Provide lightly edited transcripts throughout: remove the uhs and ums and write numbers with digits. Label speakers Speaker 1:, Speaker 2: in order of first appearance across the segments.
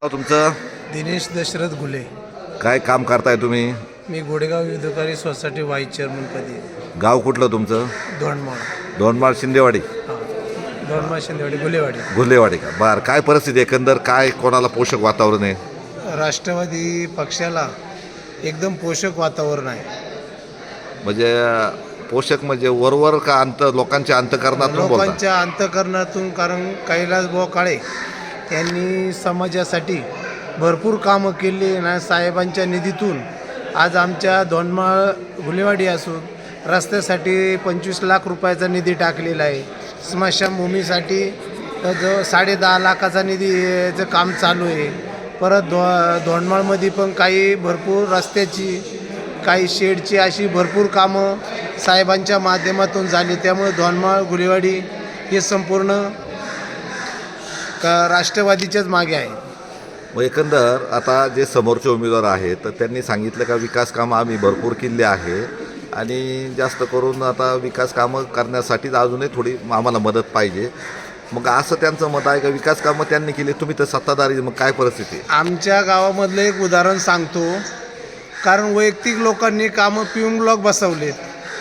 Speaker 1: तुमचं
Speaker 2: दिनेश दशरथ घुले.
Speaker 1: काय काम करताय तुम्ही?
Speaker 2: मी गोडेगाव युद्धकारी सोसायटी व्हाईस चेअरमनपदी.
Speaker 1: गाव कुठलं तुमचं?
Speaker 2: दोंडमाळ.
Speaker 1: दोंडमाळ शिंदेवाडी
Speaker 2: हां, दोंडमाळ शिंदेवाडी गुलेवाडी.
Speaker 1: घुलेवाडी का? बरं, काय परिस्थिती एकंदर काय कोणाला पोषक वातावरण आहे?
Speaker 2: राष्ट्रवादी पक्षाला एकदम पोषक वातावरण आहे.
Speaker 1: म्हणजे पोषक म्हणजे वरवर का लोकांच्या अंतकरणातून बोलता?
Speaker 2: लोकांच्या अंतकरणातून. कारण कैलासभाऊ काळे यांनी समाजासाठी भरपूर कामं केली ना. साहेबांच्या निधीतून आज आमच्या दोंडमाळ गुलेवाडी असून रस्त्यासाठी 25 लाख रुपयाचा निधी टाकलेला आहे. स्मशानभूमीसाठी जो 10.5 लाखाचा निधीचं काम चालू आहे. परत दोंडमाळमध्ये पण काही भरपूर रस्त्याची, काही शेडची अशी भरपूर कामं साहेबांच्या माध्यमातून झाली. त्यामुळे दोंडमाळ गुलेवाडी हे संपूर्ण राष्ट्रवादीच्याच मागे आहे.
Speaker 1: मग एकंदर आता जे समोरचे उमेदवार आहेत तर त्यांनी सांगितलं का विकास कामं आम्ही भरपूर केले आहे आणि जास्त करून आता विकास कामं करण्यासाठीच अजूनही थोडी आम्हाला मदत पाहिजे. मग असं त्यांचं मत आहे का विकास कामं त्यांनी केली, तुम्ही तर सत्ताधारी, मग काय परिस्थिती?
Speaker 2: आमच्या गावामधलं एक उदाहरण सांगतो. कारण वैयक्तिक लोकांनी कामं पिऊन ब्लॉक बसवलेत,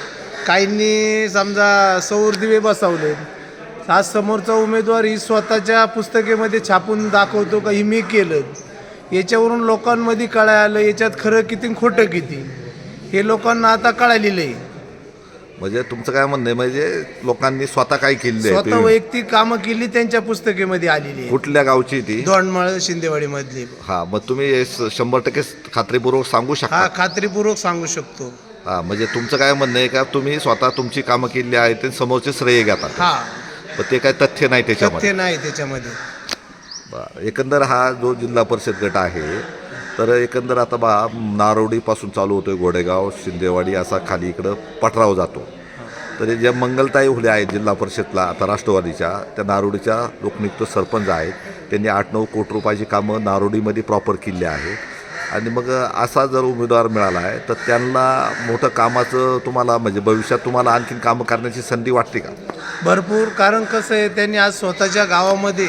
Speaker 2: काहींनी समजा सौर दिवे बसवलेत. आज समोरचा उमेदवार ही स्वतःच्या पुस्तकेमध्ये छापून दाखवतो का ही मी केलं. याच्यावरून लोकांमध्ये कळायला आलं याच्यात खरं किती खोटं किती हे लोकांना आता कळालेलं आहे.
Speaker 1: म्हणजे तुमचं काय म्हणणं आहे, म्हणजे लोकांनी स्वतः काय केले?
Speaker 2: स्वतः वैयक्तिक कामं केली त्यांच्या पुस्तकेमध्ये आलेली आहे.
Speaker 1: कुठल्या गावची ती?
Speaker 2: दोंडमाळ शिंदेवाडी मधली.
Speaker 1: हां, मग तुम्ही 100% खात्रीपूर्वक सांगू शकता?
Speaker 2: हा, खात्रीपूर्वक सांगू शकतो.
Speaker 1: हां, म्हणजे तुमचं काय म्हणणं आहे का तुम्ही स्वतः तुमची कामं केली आहे ते समोरचे श्रेय घेतात?
Speaker 2: हा,
Speaker 1: पण ते काय तथ्य नाही त्याच्यामध्ये?
Speaker 2: तथ्य नाही त्याच्यामध्ये.
Speaker 1: बरं, एकंदर हा जो जिल्हा परिषद गट आहे तर एकंदर आता नारोडीपासून चालू होतो, घोडेगाव शिंदेवाडी असा खाली इकडं पठराव जातो. तर ज्या मंगलताई हुले आहेत जिल्हा परिषदला आता राष्ट्रवादीच्या, त्या नारोडीच्या लोकनियुक्त सरपंच आहेत. त्यांनी 8-9 कोटी रुपयाची कामं नारोडीमध्ये प्रॉपर केली आहे. आणि मग असा जर उमेदवार मिळाला आहे तर त्यांना मोठं कामाचं तुम्हाला म्हणजे भविष्यात तुम्हाला आणखीन कामं करण्याची संधी वाटते का?
Speaker 2: भरपूर. कारण कसं आहे, त्यांनी आज स्वतःच्या गावामध्ये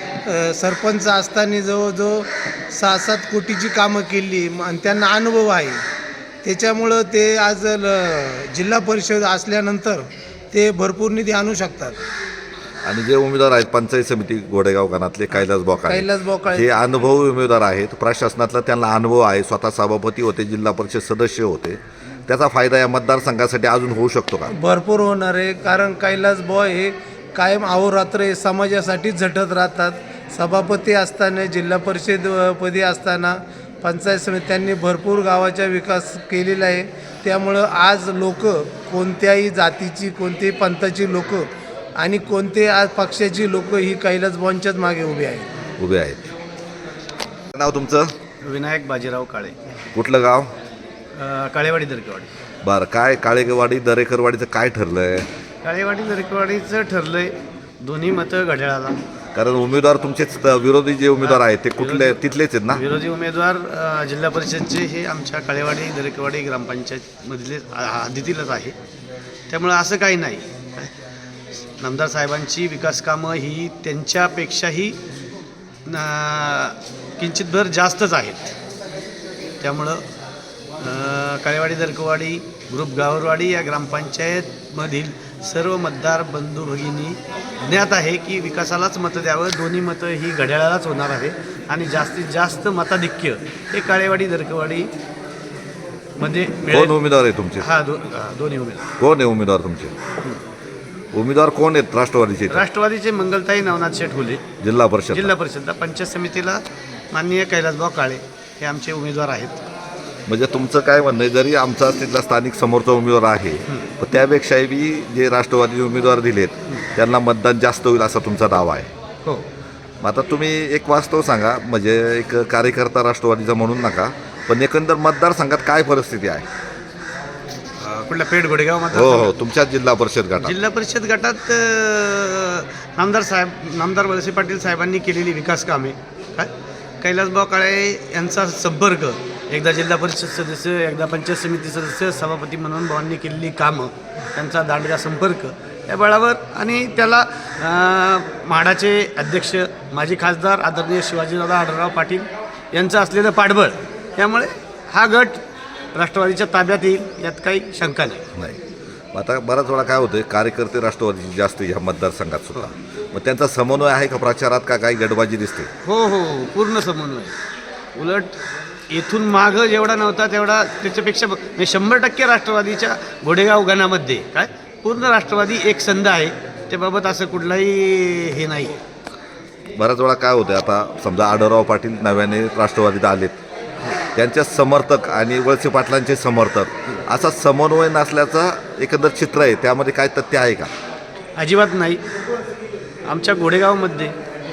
Speaker 2: सरपंच असताना जवळजवळ 6-7 कोटीची कामं केली आणि त्यांना अनुभव आहे. त्याच्यामुळं ते आज जिल्हा परिषद असल्यानंतर ते भरपूर निधी आणू शकतात.
Speaker 1: आणि जे उमेदवार आहेत पंचायत समिती घोडेगाव गणातले कैलासभाऊ काळे, हे अनुभवी उमेदवार आहेत. प्रशासनातला त्यांना अनुभव आहे, स्वतः सभापती होते, जिल्हा परिषद सदस्य होते. त्याचा फायदा या मतदारसंघासाठी अजून होऊ शकतो का?
Speaker 2: भरपूर होणार आहे. कारण कैलासभाऊ हे कायम अहोरात्र समाजासाठी झटत राहतात. सभापती असताना, जिल्हा परिषदपदी असताना, पंचायत समिती त्यांनी भरपूर गावाचा विकास केलेला आहे. त्यामुळं आज लोक कोणत्याही जातीची, कोणत्याही पंथाची लोक आणि कोणत्याही आज पक्षाची लोक ही कैलासभाऊंच्याच मागे उभी आहेत.
Speaker 1: नाव तुमचं?
Speaker 3: विनायक बाजीराव काळे.
Speaker 1: कुठलं गाव?
Speaker 3: काळेवाडी दरेकरवाडी.
Speaker 1: बरं, काय काळेवाडी दरेकरवाडीचं काय ठरलंय?
Speaker 3: काळेवाडी दरेकरवाडीचं ठरलंय दोन्ही मतं घड्याळाला.
Speaker 1: कारण उमेदवार तुमचेच विरोधी जे उमेदवार आहेत ते कुठले तिथलेच आहेत ना?
Speaker 3: विरोधी उमेदवार जिल्हा परिषदचे हे आमच्या काळेवाडी दरेकरवाडी ग्रामपंचायतमधले हद्दीतीलच आहे. त्यामुळं असं काही नाही. नामदार साहेबांची विकास कामं ही त्यांच्यापेक्षाही किंचितभर जास्तच आहेत. त्यामुळं काळेवाडी दरेकरवाडी ग्रुप गावरवाडी या ग्रामपंचायतमधील सर्व मतदार बंधू भगिनी ज्ञात आहे की विकासालाच मतं द्यावं. दोन्ही मतं ही घड्याळालाच होणार आहे आणि जास्तीत जास्त मताधिक्य हे काळेवाडी दरेकरवाडी मध्ये
Speaker 1: कोण उमेदवार आहे तुमचे?
Speaker 3: दोन्ही उमेदवार.
Speaker 1: कोण आहे उमेदवार तुमचे? उमेदवार कोण आहेत राष्ट्रवादीचे?
Speaker 3: राष्ट्रवादीचे मंगलताई नवनाथ शेठ हुले
Speaker 1: जिल्हा परिषदला.
Speaker 3: पंचायत समितीला माननीय कैलासभाऊ काळे हे आमचे उमेदवार आहेत.
Speaker 1: म्हणजे तुमचं काय म्हणणं आहे, जरी आमचा तिथला स्थानिक समोरचा उमेदवार आहे पण त्यापेक्षाही बी जे राष्ट्रवादी उमेदवार दिलेत त्यांना मतदान जास्त होईल असा तुमचा दावा आहे?
Speaker 3: हो.
Speaker 1: मग आता तुम्ही एक वास्तव सांगा, म्हणजे एक कार्यकर्ता राष्ट्रवादीचा म्हणून नका, पण एकंदर मतदारसंघात काय परिस्थिती आहे?
Speaker 3: कुठल्या पेठ घोडेगाव मध्ये?
Speaker 1: हो, तुमच्या जिल्हा परिषद गटात.
Speaker 3: जिल्हा परिषद गटात नामदार वळसे पाटील साहेबांनी केलेली विकास कामे, काय कैलासभाऊ काळे यांचा संपर्क, एकदा जिल्हा परिषद सदस्य, एकदा पंचायत समिती सदस्य, सभापती म्हणून भावांनी केलेली कामं, त्यांचा दांडगा संपर्क या बळावर आणि त्याला म्हाडाचे अध्यक्ष माजी खासदार आदरणीय शिवाजीदादा आढळराव पाटील यांचं असलेलं पाठबळ, त्यामुळे हा गट राष्ट्रवादीच्या ताब्यात येईल यात काही शंका नाही.
Speaker 1: नाही. आता बराच वेळा काय होतं, कार्यकर्ते राष्ट्रवादीचे जास्त ह्या मतदारसंघात सुद्धा, मग त्यांचा समन्वय आहे का प्रचारात, का काही गडबाजी दिसते?
Speaker 3: हो हो, पूर्ण समन्वय. उलट येथून मागं जेवढा नव्हता तेवढा त्याच्यापेक्षा 100% राष्ट्रवादीच्या घोडेगाव गणामध्ये काय पूर्ण राष्ट्रवादी एक संध आहे. त्याबाबत असं कुठलाही हे नाही.
Speaker 1: बऱ्याच वेळा काय होतं, आता समजा आढळराव पाटील नव्याने राष्ट्रवादीत आलेत, त्यांचे समर्थक आणि वळसे पाटलांचे समर्थक, असा समन्वय नसल्याचं एकंदर चित्र आहे. त्यामध्ये काय तथ्य आहे का?
Speaker 3: अजिबात नाही. आमच्या घोडेगावमध्ये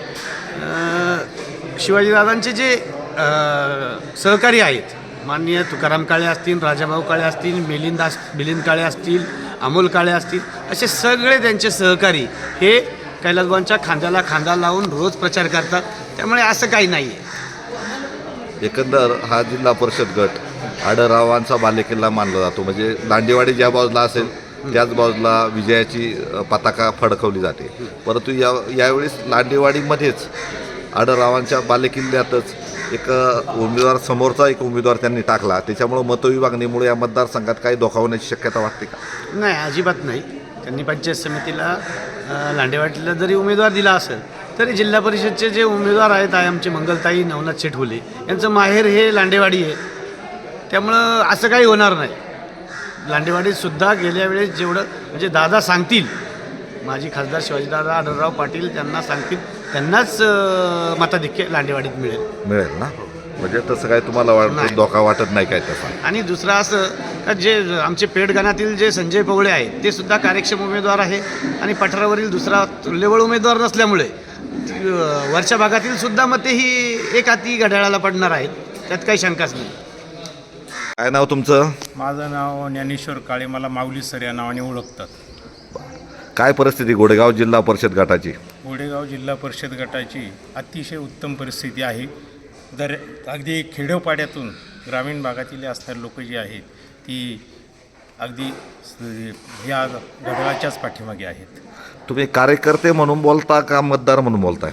Speaker 3: शिवाजीदादांचे जे सहकारी आहेत, माननीय तुकाराम काळे असतील, राजाभाऊ काळे असतील, मिलिंद काळे असतील, अमोल काळे असतील, असे सगळे त्यांचे सहकारी हे कैलासबाबांच्या खांद्याला खांदा लावून रोज प्रचार करतात. त्यामुळे असं काही नाही आहे.
Speaker 1: एकंदर हा जिल्हा परिषद गट आढळरावांचा बालेकिल्ला मानला जातो. म्हणजे लांडेवाडी ज्या बाजूला असेल त्याच बाजूला विजयाची पताका फडकवली जाते. परंतु यावेळेस लांडेवाडीमध्येच आढळरावांच्या बालेकिल्ल्यातच एक उमेदवार, समोरचा एक उमेदवार त्यांनी टाकला. त्याच्यामुळं मतविभागणीमुळे या मतदारसंघात काही धोका होण्याची शक्यता वाटते का?
Speaker 3: नाही, अजिबात नाही. त्यांनी पंचायत समितीला लांडेवाडीला जरी उमेदवार दिला असेल तरी जिल्हा परिषदचे जे उमेदवार आहेत आमचे मंगलताई नवनाथ शेठवले यांचं माहेर हे लांडेवाडी आहे. त्यामुळं असं काही होणार नाही. लांडेवाडीतसुद्धा गेल्या वेळेस जेवढं म्हणजे दादा सांगतील, माजी खासदार शिवाजीदादा आढळराव पाटील त्यांना सांगतील त्यांनाच मताधिक्य लांडेवाडीत मिळेल
Speaker 1: ना. म्हणजे तसं काय तुम्हाला वाटतं, धोका वाटत नाही काय तसा?
Speaker 3: आणि दुसरं असं का जे आमचे पेठगणातील जे संजय पवळे आहेत ते सुद्धा कार्यक्षम उमेदवार आहे आणि पठारावरील दुसरा तुल्यबळ उमेदवार नसल्यामुळे वरच्या भागातील सुद्धा मते ही एक हाती घड्याळाला पडणार आहेत. त्यात काही शंकाच नाही.
Speaker 1: काय नाव तुमचं?
Speaker 4: माझं नाव ज्ञानेश्वर काळे, मला माऊली सर या नावाने ओळखतात.
Speaker 1: काय परिस्थिती घोडेगाव जिल्हा परिषद गटाची?
Speaker 4: घोडेगाव जिल्हा परिषद गटाची अतिशय उत्तम परिस्थिती आहे. अगदी खेडोपाड्यातून ग्रामीण भागातील असणारी लोक जी आहेत ती अगदी या घड्याळाच्याच पाठीमागे आहेत.
Speaker 1: तुम्ही कार्यकर्ते म्हणून बोलता का मतदार म्हणून बोलताय?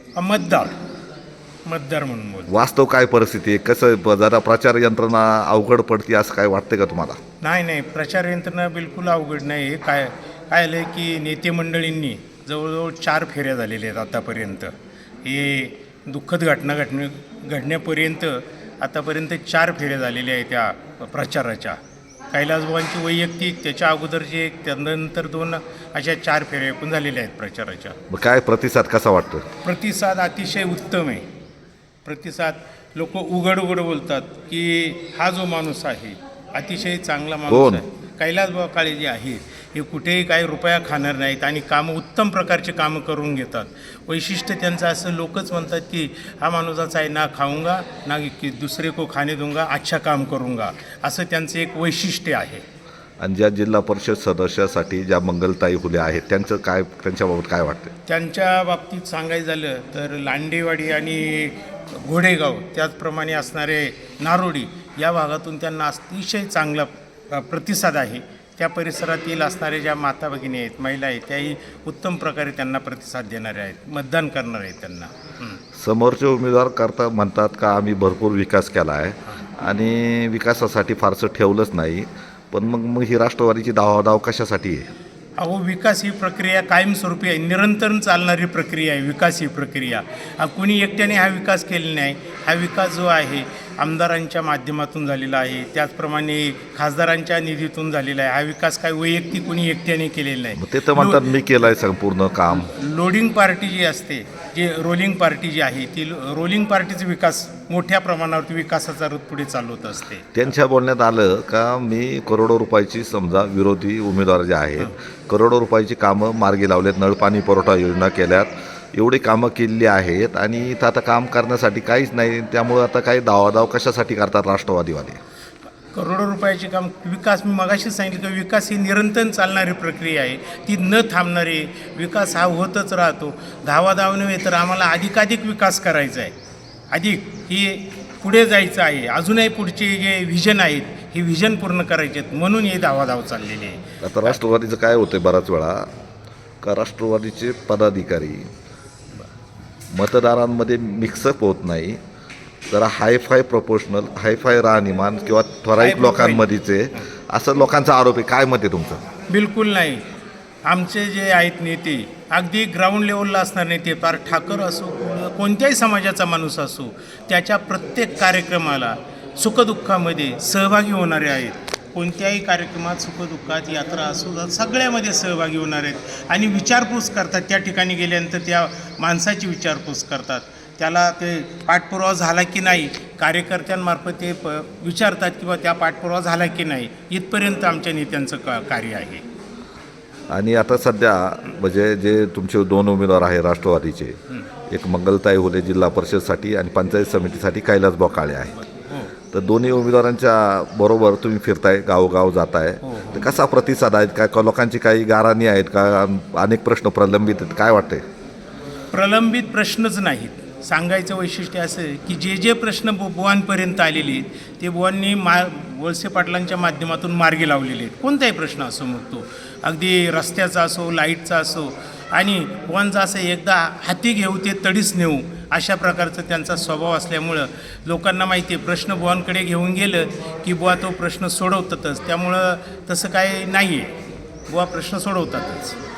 Speaker 4: मतदार म्हणून बोल.
Speaker 1: वास्तव काय परिस्थिती आहे? कसं जरा प्रचार यंत्रणा अवघड पडते असं काय वाटते का तुम्हाला?
Speaker 4: नाही, प्रचार यंत्रणा बिलकुल अवघड नाही. काय आलं आहे की नेते मंडळींनी जवळजवळ 4 फेऱ्या झालेल्या आहेत आतापर्यंत. हे दुःखद घटना घडण्यापर्यंत आतापर्यंत 4 फेऱ्या झालेल्या आहेत त्या प्रचाराच्या. कैलासबाबांची वैयक्तिक, त्याच्या अगोदरची एक, त्यानंतर 2 अशा 4 फेऱ्या एकूण झालेल्या आहेत प्रचाराच्या.
Speaker 1: मग काय प्रतिसाद कसा वाटतो?
Speaker 4: प्रतिसाद अतिशय उत्तम आहे. प्रतिसाद लोक उघड बोलतात की हा जो माणूस आहे अतिशय चांगला माणूस आहे. कैलासबाबा काळे जे आहे हे कुठेही काही रुपया खाणार नाहीत आणि कामं उत्तम प्रकारचे कामं करून घेतात. वैशिष्ट्य त्यांचं असं, लोकच म्हणतात की हा माणूसाचा आहे ना खाऊंगा ना की दुसरे को खाणे दूंगा, अच्छा काम करूंगा, असं त्यांचं एक वैशिष्ट्य आहे.
Speaker 1: आणि ज्या जिल्हा परिषद सदस्यासाठी ज्या मंगलताई हुले आहेत त्यांच्याबाबत काय वाटतं?
Speaker 4: त्यांच्या बाबतीत सांगायचं झालं तर लांडेवाडी आणि घोडेगाव त्याचप्रमाणे असणारे नारोडी या भागातून त्यांना अतिशय चांगला प्रतिसाद आहे. त्या परिसरातील असणारे ज्या माता भगिनी आहेत, महिला आहेत, त्याही उत्तम प्रकारे त्यांना प्रतिसाद देणारे आहेत, मतदान करणार आहेत त्यांना.
Speaker 1: समोरचे उमेदवार म्हणतात का आम्ही भरपूर विकास केला आहे आणि विकासासाठी फारसं ठेवलंच नाही, पण मग ही राष्ट्रवादीची धावाधाव कशासाठी आहे?
Speaker 4: अहो, विकास ही प्रक्रिया कायमस्वरूपी आहे, निरंतर चालणारी प्रक्रिया आहे. विकास ही प्रक्रिया कोणी एकट्याने हा विकास केलेला नाही. हा विकास जो आहे आमदारांच्या माध्यमातून झालेला आहे, त्याचप्रमाणे खासदारांच्या निधीतून झालेला आहे. हा विकास काय वैयक्तिक कोणी एकट्याने केलेला नाही.
Speaker 1: ते तर म्हणतात मी केलं आहे संपूर्ण काम.
Speaker 4: लोडिंग पार्टी जी असते, जे रोलिंग पार्टी जी आहे, ती रोलिंग पार्टीचा विकास मोठ्या प्रमाणावरती विकासाचा रथ पुढे चालवत असते.
Speaker 1: त्यांच्या बोलण्यात आलं का मी करोडो रुपयाची, समजा विरोधी उमेदवार जे आहेत, करोडो रुपयाची कामं मार्गी लावलेत, नळपाणी पुरवठा योजना केल्यात, एवढी कामं केलेली आहेत आणि इथं आता काम करण्यासाठी काहीच नाही. त्यामुळं आता काही धावाधाव कशासाठी करतात राष्ट्रवादीवाले?
Speaker 4: करोडो रुपयाचे काम, विकास, मी मगाशी सांगितलं की विकास ही निरंतर चालणारी प्रक्रिया आहे, ती न थांबणारी. विकास हा होतच राहतो. धावाधाव नव्हे तर आम्हाला अधिकाधिक विकास करायचा आहे, अधिक ही पुढे जायचं आहे. अजूनही पुढचे जे व्हिजन आहेत हे व्हिजन पूर्ण करायचे आहेत, म्हणून हे धावाधाव चाललेली आहे.
Speaker 1: आता राष्ट्रवादीचं काय होतं, बराच वेळा का राष्ट्रवादीचे पदाधिकारी मतदारांमध्ये मिक्सअप होत नाही, जरा हायफाय प्रोपोर्शनल, हायफाय राहणीमान किंवा ठराविक लोकांमध्येचे असं लोकांचा आरोप आहे. काय मत आहे तुमचं?
Speaker 4: बिलकुल नाही. आमचे जे आहेत नेते अगदी ग्राउंड लेवलला असणार नेते, फार ठाकर असो, कोणत्याही समाजाचा माणूस असो, त्याच्या प्रत्येक कार्यक्रमाला सुखदुःखामध्ये सहभागी होणारे आहेत. कोणत्याही कार्यक्रमात सुखदुःखात यात्रा असो सगळ्यामध्ये सहभागी होणार आहेत आणि विचारपूस करतात. त्या ठिकाणी गेल्यानंतर त्या माणसाची विचारपूस करतात, त्याला ते पाठपुरावा झाला की नाही कार्यकर्त्यांमार्फत ते विचारतात किंवा त्या पाठपुरावा झाला की नाही. इथपर्यंत आमच्या नेत्यांचं कार्य आहे.
Speaker 1: आणि आता सध्या म्हणजे जे तुमचे 2 उमेदवार आहे राष्ट्रवादीचे, एक मंगलताई हुले जिल्हा परिषदसाठी आणि पंचायत समितीसाठी कैलासभाऊ काळे आहेत. तर दोन्ही उमेदवारांच्या बरोबर तुम्ही फिरताय, गावोगाव जाताय, तर कसा प्रतिसाद आहे? काय लोकांची काही गाऱ्हाणी आहेत का? अनेक प्रश्न प्रलंबित आहेत, काय वाटतंय?
Speaker 4: प्रलंबित प्रश्नच नाहीत. सांगायचं वैशिष्ट्य असं आहे की जे जे प्रश्न बुवांपर्यंत आलेले आहेत ते बुवांनी वळसे पाटलांच्या माध्यमातून मार्गी लावलेले आहेत. कोणताही प्रश्न असो, मग तो अगदी रस्त्याचा असो, लाईटचा असो, आणि बुवांचा असं एकदा हाती घेऊ ते तडीच नेऊ अशा प्रकारचा त्यांचा स्वभाव असल्यामुळं लोकांना माहिती आहे प्रश्न बुवांकडे घेऊन गेलं की बुवा तो प्रश्न सोडवतातच. त्यामुळं तसं काही नाही आहे, बुवा प्रश्न सोडवतातच.